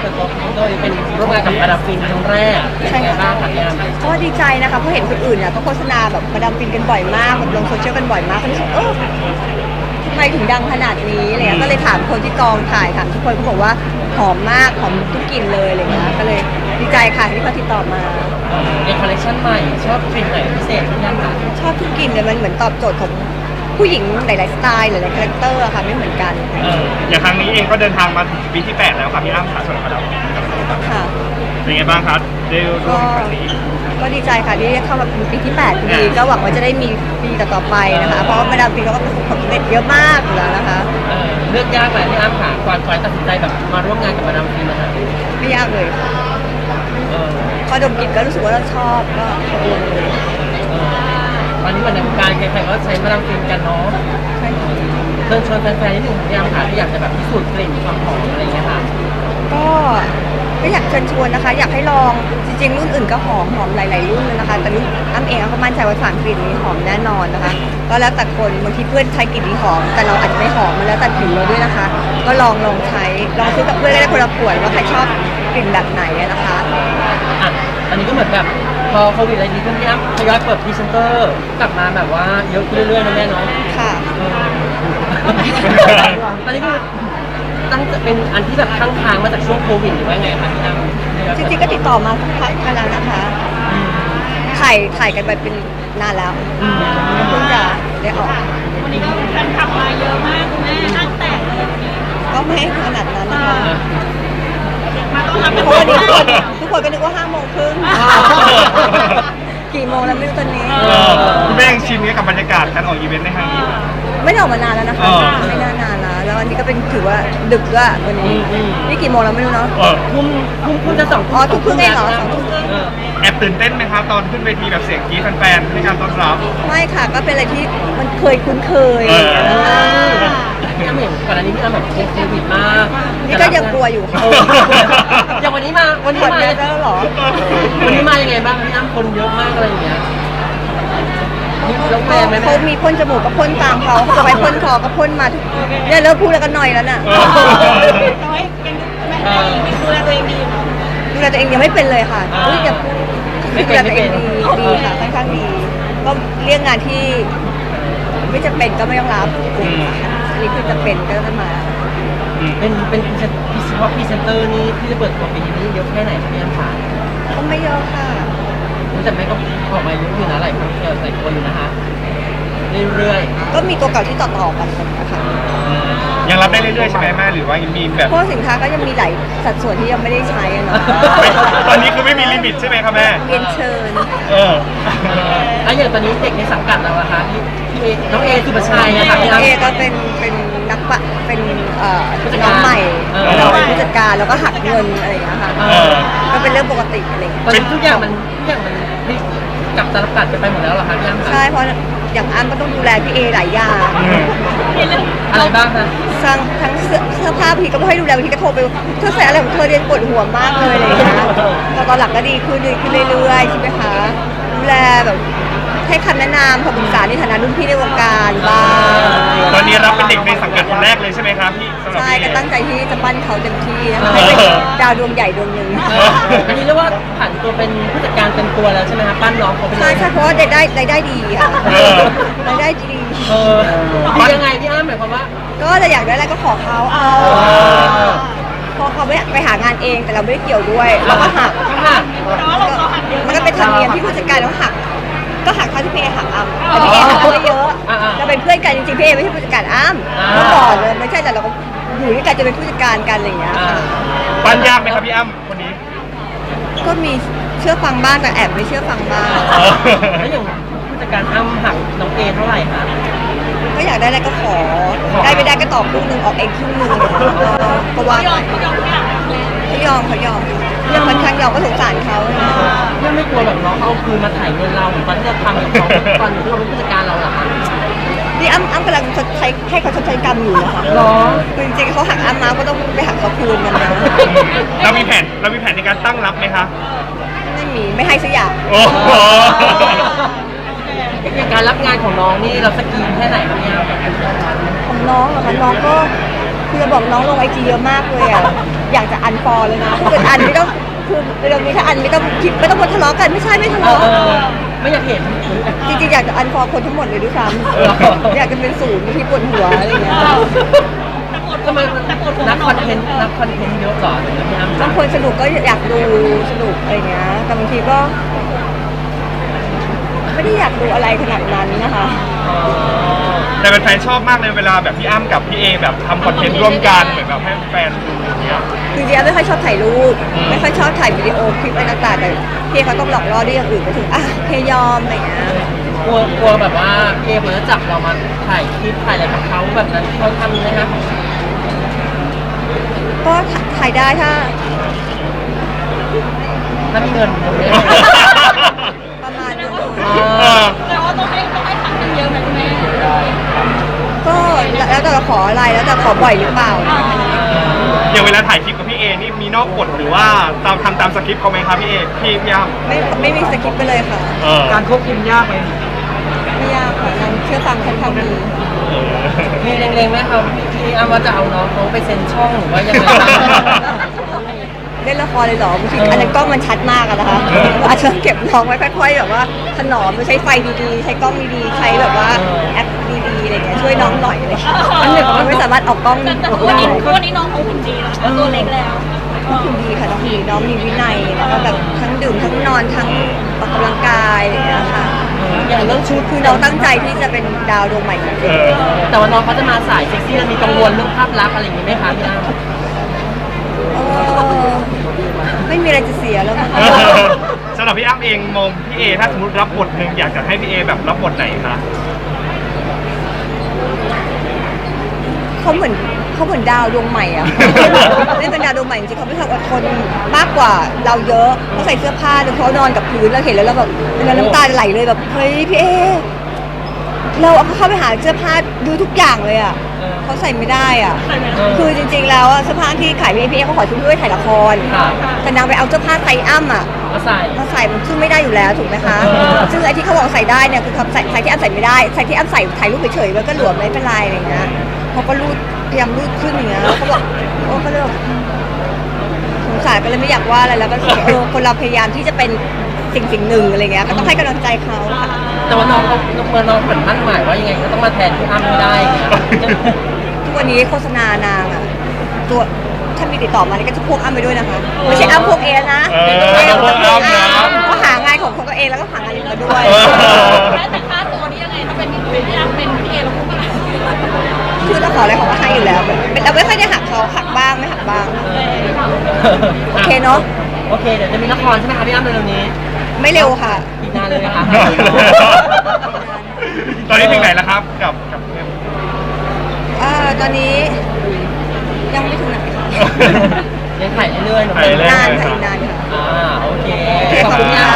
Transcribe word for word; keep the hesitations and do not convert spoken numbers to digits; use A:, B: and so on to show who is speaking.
A: ปิดตัวโดยเป็นร่วมงานกับมาดามฟินครั้งแรกใช่บ้างคะพี่อ้ำ
B: ก็ดีใจนะคะเพราะเห็นคนอื่นเนี่ยก็โฆษณาแบบมาดามฟินกันบ่อยมากแบบลงโซเชียลกันบ่อยมากก็รู้สึกเออทำไมถึงดังขนาดนี้อะไรเงี้ยก็เลยถามคนที่กองถ่ายถามทุกคนเขาบอกว่าหอมมากหอมทุกกลิ่นเลยอะไรเงี้ยก็เลยดีใจค่ะที่เขาติดต่อมา
A: ในคอลเลคชันใหม่ชอบกลิ่นไหนพิเศษพี่อ้ำคะ
B: ชอบทุกกลิ่นเลยมันเหมือนตอบโจทย์ของผู้หญิงหลายๆสไตล์หลายๆคาแรคเตอร์ค่ะไม่เหมือนกัน
C: อย่างครั้งนี้เองก็เดินทางมาถึงปีที่แปดแล้วครับพี่อ้ำค่ะส่วนมาดามฟิน
B: ค่ะ
C: เป็นไงบ้างครับได้ร่วมครั้งนี้
B: ก็ดีใจค่ะที่เข้ามาเป็นปีที่แปดพอดีก็หวังว่าจะได้มีปีต่อๆไปนะคะเพราะมาดามฟินเขาก็ประสบความสำเร็จเยอะมากอยู่แล้วนะคะ
A: เลือกยากไหมพี่อ้ำค่ะก่อนก่อนตัดสินใจแบบมาร่วมงานกับมาดามฟินนะคะ
B: ไม่ยากเลยพอดมกลิ่นก็รู้สึกว่าเราชอบก็ตกลงเลย
A: ตอนนี้เหมือนในวงการใครๆก็ใช้มาดามฟินกันเนาะ
B: ใช่ค่ะ
A: เชิญชวนแฟนๆที่ถึงพี่อ้ำค่ะที่อยากจะแบบพิสูจน์กลิ่นความหอมอะไรอย่างเงี้ยค่ะ
B: ก็ก็อยากเชิญชวนนะคะอยากให้ลองจริงๆรุ่นอื่นก็หอมหอมหลายๆรุ่นเลยนะคะแต่รุ่นอ้ำเองก็มั่นใจว่าสามกลิ่นนี้หอมแน่นอนนะคะก็แล้วแต่คนบางทีเพื่อนใช้กลิ่นนี้หอมแต่เราอาจจะไม่หอมมันแล้วแต่ผิวเราด้วยนะคะก็ลองลองใช้ลองซื้อกับเพื่อนได้คนละขวดว่าใครชอบกลิ่นแบบไหนนะคะ
A: อ่ะอันนี้ก็เหมือนแบบพอโควิดอะไรดีขึ้นพี่อ้ำทยอยเปิดพรีเซนเตอร์กลับมาแบบว่าเยอะขึ้นเรื่อยๆนะแม่เนาะ
B: ค่ะ
A: ตอนนี้ก็ตั้งจะเป็นอันที่แบบค้างค้างมาจากช่วงโควิดหรือว่าไงคะพี่อ้ำ
B: จริงๆก็ติดต่อมาสักพักแล้วนะคะถ่ายถ่ายกันไปเป็นนานแล้วเพิ่งจะได้ออก
D: วันนี้ก็แฟนคลับมาเยอะมากคุณแม่นั่งแตกเลย
B: ก็ไม่ขนาดนั้นนะคะ
D: มาต้อนรับ
B: เพราะวันนี้ทุกคนทุกคนก็นึกว่าห้าโมงครึ่งกี่โมงแล้วไม่รู้ตอนนี้
C: คุณแม่ชิมกับบรรยากาศการออกอีเวนต์ในครั้งนี้
B: ไม่ได้ออกมานานแล้วนะคะไม่นานนานแล้วแล้ววันนี้ก็เป็นถือว่าดึกด้วยวันนี้นี่กี่โมงแล้วไม่รู้เนาะ
A: ทุ่มทุ่มคุณจะสอง
B: อ๋อทุ่มครึ่งเองเหรอสองทุ่มครึ่ง
C: แอบตื่นเต้นไหมครับตอนขึ้นเวทีแบบเสียงกรี๊ดแฟนๆในการต้อนรับ
B: ไม่ค่ะก็เป็นอะไรที่มันเคยคุ้นเคย
A: พี่อ้ำเห็นก่อนอันนี้พี่อ้ำแบบโควิดมาก
B: นี่ก็ยังกลัวอยู่ค่ะ
A: อย่างวันนี้มาวันนี้มา
B: แล้วหรอ
A: วันนี้มายังไงบ้างพี่อ้ำคนเยอะมากอะไรอย่างเงี้ย
B: เขามีพ่นจมูกก็พ่นตามเขาเขาจะไปพ่นคอก็พ่นมาทุกเนี่ยเริ่มพูดแล้วก็หน่อยแล้วน่ะ
D: น้อยยังดูแลตัวเองดี
B: ดูแลตัวเองยังไม่เป็นเลยค่ะอุ้ยจะดูแลตัวเองดีดีค่ะค่อนข้างดีก็เรื่องงานที่ไม่จะเป็นก็ไม่ต้องรับอันนี้คือจะเป็นก็ต้องมา
A: เป็นเป็นพิเศษพรีเซนเตอร์นี่ที่จะเปิดตัวปีนี้เยอะแค่ไหนพี่อ้ำคะ
B: ก็ไม่เยอะค่ะ
A: แต่แม่ก็ออกมาเยอะอยู่นะหลายคนหลายคนอยู่นะคะเรื่อย
B: ๆก็มีตัวเก่าที่ต่อๆกันนะคะ
C: ยังรับได้เรื่อยๆใช่ไหมแม่หรือว่ายังมีแบบ
B: เพราะสินค้าก็ยังมีหลายสัดส่วนที่ยังไม่ได้ใช้เนาะ
C: ตอนนี้คือไม่มีลิมิตใช่ไหมครับแม่
B: เรียนเชิญ
C: เออ
A: แล้วอย่างตอนนี้เด็กในสังกัดเราอะคะพี่เอน้องเอสุภชัยอะค่ะ
B: พี่เอก็เป็นเป็นนักปะเป็นเอ่อน้องใหม่เราเป็นผู้จัดการแล้วก็หักเงินอะไรอย่างเงี้ยค่ะก็เป็นเรื่องปกติอะไรอย่างเงี้ย
A: ตอนนี้ทุกอย่างมันทุกอย่างมันกลับตลปัดไปหมดแล้วเหรอคะพี่อ้ำ
B: ใช่เพราะอย่างอ้ำก็ต้องดูแลพี่เอหลายอย่าง
A: อะไรบ้างคะ
B: ทั้งทั้งเสื้อผ้าพี่ก็ไม่ให้ดูแลพี่ก็โทรไปเธอใส่อะไรของเธอเรียนปวดหัวมากเลยอะไรอย่างเงี้ยแต่ตอนหลังก็ดีขึ้นดีขึ้นเรื่อยๆใช่ไหมคะดูแลแบบให้คำแนะนำคำปรึกษาในฐานะรุ่นพี่ในวงการบ้าง
C: ตอนนี้รับเป็นเด็กในสังกัดคนแรกเลยใช่ไหมครับพี่
B: ใช่ก็ตั้งใจที่จะปั้นเขาเต็มที่นะคะให้เป็นดาวดวงใหญ่ดวงหนึ่ง
A: อันนี้เรียกว่าผ่านตัวเป็นผู้จัดการเต็มตัวแล้วใช่ไหมคะปั้นน้องเขาเป็น
B: ใช่ใช่เพราะว่าได้ได้รายได้ดีค่ะรายได้ดี
A: เออดียังไงพี่อ้ำหมายความว่า
B: ก็จะอยากได้อะไรก็ขอเขาเอาพอเขาไม่ไปหางานเองแต่เราไม่ได้เกี่ยวด้วยเราก็หักมันก็เป็นธรรมเนียมที่ผู้จัดการต้องหักก็หักเท่าที่พี่เอหักอ้ำแต่พี่เอหักไม่เยอะเราเป็นเพื่อนกันจริงๆพี่เอไม่ใช่ผู้จัดการอ้ำเมื่อก่อนเลยไม่ใช่แต่เราก็อยู่ด้วยกันจะเป็นผู้จัดการกันอะไรอย่างเงี้ย
C: ปั้นยากไหมครับพี่อ้ำคนนี้
B: ก็มีเชื่อฟังบ้างแต่แอบไม่เชื่อฟังบ้าง
A: แล้วอย่างผู้จัดการอ้ำหักน้องเอเท่าไหร่คะ
B: ก็อยากได้อะไรก็ขอได้ไม่ได้ก็ตอบครึ่งหนึ่งออกเองครึ่งหนึ่งก็ว่าเขายอมเขายอมยังมันครั้งยอมก็สงสารเขา
A: ยังไม่กลัวแบบน้องเอาคืนมาถ่ายเงินเราเหมือนตอนที่เราทำกับเขาตอนที่เราเป็นผู้จัดการเราเหรอคะ
B: นี่อ้ำอ้ำกำลังชดใช้ให้เขาชดใช้กรรมอยู่นะคะ
A: หรอ
B: คือจริงๆเขาหักอ้ำมาก็ต้องไปหักเขาคืนกันนะ
C: เรามีแผนเรามีแผนในการตั้งรับไหมคะ
B: ไม่มีไม่ให้สักอย่าง
C: โอ้โห
A: การรับงานของน้องนี่เราสกรีนแค่ไหนครับเนี่ย
B: ของน้องเหรอคะน้องก็คือจะบอกน้องลงไอจีเยอะมากเลยอ่ะอยากจะอันฟอลเลยนะถ้าเกิดอันไม่ต้องคือเรื่องนี้ถ้าอันไม่ต้องคิดไม่ต้องมาทะเลาะกันไม่ใช่ไม่ทะ
A: เออ
B: เลาะ
A: เออไม่อยากเห็น
B: จริงๆอยากจะอันฟอลคนทั้งหมดเลยด้วยซ้
A: เหรอ
B: ำอยากจะเป็นศูนย์ที่ปวดหัวอะไรอย่างเงี้ย
A: ทำไมนักคอนเทนต์นักคอนเทนต์เยอะเหรอถึงพี่อ้ำ
B: บางคนสนุกก็อยากดูสนุกอะไรเงี้ยแต่บางทีก็ ไม่ได้อยากดูอะไรขนาดนั้นนะคะ
A: อ๋อ
C: แต่แฟนๆชอบมากเลยเวลาแบบพี่อ้ำกับพี่เอแบบทำคอนเทนต์ร่วมกันเหมือนแบบให้แฟนดูอย่างเงี้ย
B: จริงๆไม่ค่อยชอบถ่ายรูป ไม่ค่อยชอบถ่ายวิดีโอคลิปอะไรต่างๆแต่พี่เขาต้องหลอกล่อด้วยอย่างอื่นไปถึงอ่ะโอเคยอมอะไรเงี้ย
A: กลัวกลัวแบบว่าเอเขาจะจับเรามาถ่ายคลิปถ่ายอะไรกับเขาแบบนั้นเขาทำไหมคะ
B: ก็ถ่ายได้ถ้า
A: ถ้ามีเงินผมเนี่ย
B: ประมาณนึง
A: อ๋อ
D: แต่ว่าต้องให้ต้องให้ถังกันเยอะไหมคุณแม่
B: ก็แล้วแต่เราขออะไรแล้วแต่ขอบ่อยหรือเปล่า
C: อย่างเวลาถ่ายคลิปกับพี่เอนี่มีนอกบทหรือว่าตามทำตามสคริปต์เขาไหมครับพี่เอพี่พี่อ้ำ
B: ไม่ไม่มีสคริปต์ไปเลยค่ะ
C: เออ
A: การควบคุมยากไหม
B: ไม่ยากค่ะนั่นเชื่อฟังค่อนข้างดี
C: เออ
A: มีเล็งๆไหมครับพี่อ้ำว่าจะเอาน้องเขาไปเซ็นช่องหรือว่ายังไงบ้าง
B: เล่นละครเลยเหรอบางทีอันนั้นกล้องมันชัดมากอะนะคะอาจจะต้องเก็บน้องไว้ค่อยๆแบบว่าถนอมใช้ไฟดีๆ ใช้กล้องดีๆ ใช้แบบว่าแอปดีๆอะไรเงี้ยช่วยน้องหน่อยอะไรเลยอันนี้เขาไม่สามารถออกกล้อง
D: แต่ทุกวันนี้ทุกวันนี้น้องเขาหุ่นดีแล้วตัวเล็กแล้ว
B: น้องดีค่ะน้องดีน้องมีวินัยแล้วก็แบบทั้งดื่มทั้งนอนทั้งออกกำลังกายอะไรเงี้ยค่ะ
A: อย่างเรื่องชุด
B: คือน้องตั้งใจที่จะเป็นดาวดวงใหม่จริง
C: เออ
A: แต่ว่าน้องเขาจะมาสายเซ็กซี่แล้วมีกังวลเรื่องภาพลักษณ์อะไรอย่างนี้ไหมคะพี่อ้ำ
B: ๆเออไม่มีอะไรจะเสียแล้วมั้ง
C: สำหรับพี่อ้ำเองมองพี่เอถ้าสมมติรับบทหนึ่งอยากจะให้พี่เอแบบรับบทไหนคะ
B: เขาเหมือนเขาเหมือนดาวดวงใหม่อะ เล่นเป็นดาวดวงใหม่จริงๆเขาไม่ทำอดทนมากกว่าเราเยอะเขาใส่เสื้อผ้าจนเขานอนกับพื้นเราเห็นแล้วเราแบบเราน้ำตาไหลเลยแบบเฮ้ยพี่เอเราเอาเข้าไปหาเสื้อผ้าดูทุกอย่างเลยอะเขาใส่ไม่ได้อะคือจริงๆแล้วอะเสื้อผ้าที่ขายพี่เอพี่เอเขาขอชุดด้วยถ่ายละคร
A: ค่ะ
B: แต่นางไปเอาเสื้อผ้าไซส์อ้ำอะ
A: มาใส่
B: มาใส่มันซึ่งไม่ได้อยู่แล้วถูกไหมคะ
A: เออ
B: ซึ่งไอ้ที่เขาบอกใส่ได้เนี่ยคือเขาใส่ใส่ที่อ้ำใส่ไม่ได้ใส่ที่อ้ำใส่ถ่ายรูปเฉยๆมันก็หลวมไม่เป็นไรอะไรอย่างเงี้ยเขาก็รูดพยายามรูดขึ้นอย่างเงี้ยเขาบอกโอ้ก็เลยแบบสงสารก็เลยไม่อยากว่าอะไรแล้วก็รู้สึกว่าเออคนเราพยายามที่จะเป็นสิ่งสิ่งหนึ่งอะไรเงี้ยก็ต้องให้กำลังใจเขาค่ะ
A: แต่ว่าน้องเขาเมื่อน้องเหมือนมั่นหมายว่ายังไงก็ต้องมาแทนพี่อ้ำให้ได้อย่างเงี้ย
B: ทุกวันนี้โฆษณานางอะตัวถ้ามีติดต่อมานี่ก็จะพวกอ้ำไปด้วยนะคะไม่ใช่อ้ำพวกเอนะ
C: เออพวกอ้ำนะ
B: เขาหางานของเขาเองแล้วก็หางานอื่นมาด้วย
C: เออ
D: แล้วแต่ค่าตัวนี่ยังไงถ้าเป็นเป็นพี่อ้ำเป็นพี่เอเราพูดว่าอะไร
B: คือเราขออะไรเขาก็ให้อยู่แล้วเป็นเราไม่ค่อยได้หักเขาหักบ้างไม่หักบ้าง โอเคเนอะ
A: โอเคเดี๋ยวจะมีละครใช่ไหมคะพี่อ้ำเร็วๆนี้
B: ไม่เร็วค่ะ
A: อีกนานเลยนะคะ
C: ตอนนี้ถึงไหนแล้วครับกับกับเพื่อน
B: อ่าตอนนี้ยังไม่ถึงไหนค่ะ
A: ยังถ่ายเรื่อยๆเนอะ
C: ถ่ายเรื่อยๆ
B: นานค่ะอีกนานค่ะ
A: อ่าโอเค
B: โอเคขอบคุณค่ะ